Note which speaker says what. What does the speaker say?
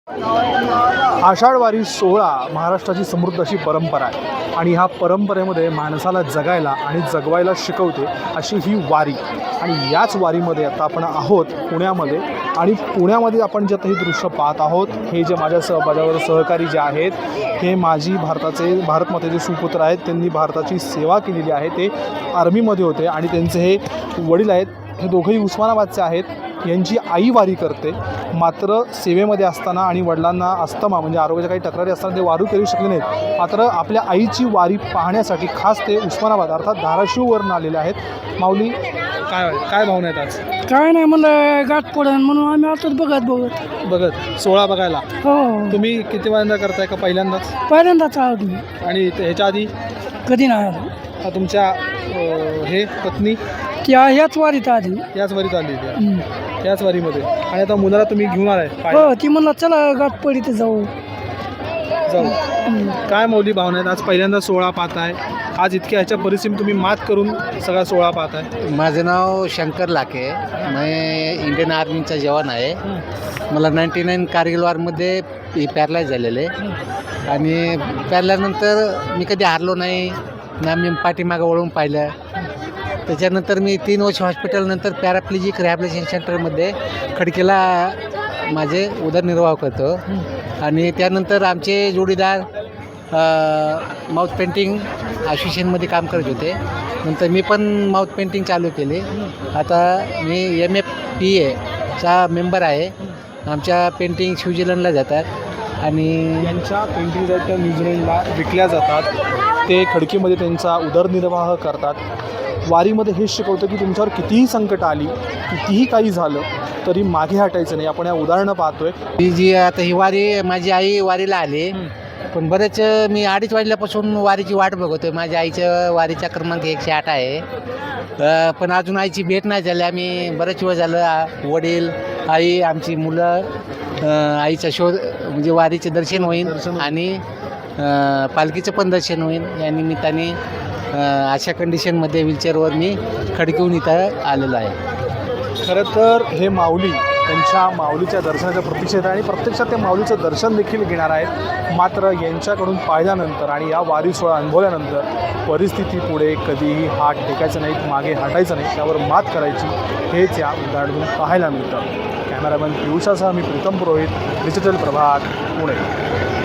Speaker 1: आषाढवारी सोहळा महाराष्ट्राची समृद्ध अशी परंपरा आहे आणि ह्या परंपरेमध्ये माणसाला जगायला आणि जगवायला शिकवते अशी ही वारी. आणि याच वारीमध्ये आता आपण आहोत पुण्यामध्ये. आणि पुण्यामध्ये आपण जे आता हे दृश्य पाहत आहोत, हे जे माझ्याबरोबर सहकारी जे आहेत, हे भारत मातेचे सुपुत्र आहेत. त्यांनी भारताची सेवा केलेली आहे. ते आर्मीमध्ये होते आणि त्यांचे हे वडील आहेत, हे दोघंही उस्मानाबादचे आहेत. यांची आई वारी करते, मात्र सेवेमध्ये असताना आणि वडिलांना अस्थमा म्हणजे आरोग्याच्या काही तक्रारी असताना ते वारी करू शकले नाहीत. मात्र आपल्या आईची वारी पाहण्यासाठी खास ते उस्मानाबाद अर्थात धाराशिववरून आलेले आहेत. माऊली, काय भावना आहेत आज?
Speaker 2: काय नाही, म्हणलं गाठ पडन म्हणून आम्ही आतच बघत
Speaker 1: सोहळा बघायला.
Speaker 2: हो.
Speaker 1: तुम्ही किती वेळांदा करताय का पहिल्यांदाच?
Speaker 2: पहिल्यांदाच आहोत मी.
Speaker 1: आणि ह्याच्या आधी
Speaker 2: कधी नाही आलो.
Speaker 1: तुमच्या हे पत्नी
Speaker 2: त्या ह्याच वारीत आधी.
Speaker 1: याच वारीत आली याच वारीमध्ये. आणि आता मुलाला तुम्ही घेऊन आलाय?
Speaker 2: हो, ती म्हणला चला गाठ पडी ते जाऊ.
Speaker 1: काय मौली भावना आहेत? आज पहिल्यांदा सोहळा पाहताय. आज इतक्या ह्याच्या परिस्थितीत तुम्ही मात करून सगळा सोहळा पाहताय.
Speaker 3: माझं नाव शंकर लाखे, मी इंडियन आर्मीचा जवान आहे. मला 99 कारगिल वॉरमध्ये पॅरलाइज झालेलं आहे. आणि पॅरल्यानंतर मी कधी हारलो नाही ना, मी पाठीमागं वळून पाहिलं. त्याच्यानंतर मी 3 वर्ष हॉस्पिटलनंतर पॅराप्लेजिक रॅहॅबिलिटेशन सेंटरमध्ये खडकीला माझे उदरनिर्वाह करतो. आणि त्यानंतर आमचे जोडीदार माउथ पेंटिंग असोसिएशनमध्ये काम करत होते. नंतर मी पण माउथ पेंटिंग चालू केले. आता मी MFPA मेंबर आहे. आमच्या पेंटिंग स्वित्झर्लंडला जातात आणि
Speaker 1: यांच्या पेंटिंग आहेत त्या न्यूझीलंडला विकल्या जातात. ते खडकीमध्ये त्यांचा उदरनिर्वाह करतात. वारीमध्ये हेच शिकवतं की तुमच्यावर कितीही संकट आली, कितीही काही झालं तरी मागे हटायचं नाही. आपण या उदाहरणं पाहतोय.
Speaker 3: ही जी आता ही वारी, माझी आई वारीला आली, पण बरेच मी 2:30 वाजल्यापासून वारीची वाट बघतोय. माझ्या आईचं वारीचा क्रमांक 108 आहे. पण अजून आईची भेट नाही झाली. आम्ही बरेच वेळ झालं, वडील, आई, आमची मुलं, आईचा शोध म्हणजे वारीचे दर्शन होईल आणि पालखीचं पण दर्शन होईल. या निमित्ताने अशा कंडिशनमध्ये व्हीलचेअरवर मी खडकीहून इथं आलेलो आहे.
Speaker 1: खरं तर हे माऊली त्यांच्या माऊलीच्या दर्शनाच्या प्रतीक्षेत आहे आणि प्रत्यक्षात ते माऊलीचं दर्शन देखील घेणार आहेत. मात्र यांच्याकडून पाहिल्यानंतर आणि या वारी सोहळा अनुभवल्यानंतर परिस्थिती पुढे कधीही हात टेकायचं नाही, मागे हटायचं नाही, त्यावर मात करायची, हेच या उदाहरणातून पाहायला मिळतं. कॅमेरामॅन पियुषासह मी प्रीतम पुरोहित, डिजिटल प्रभात, पुणे.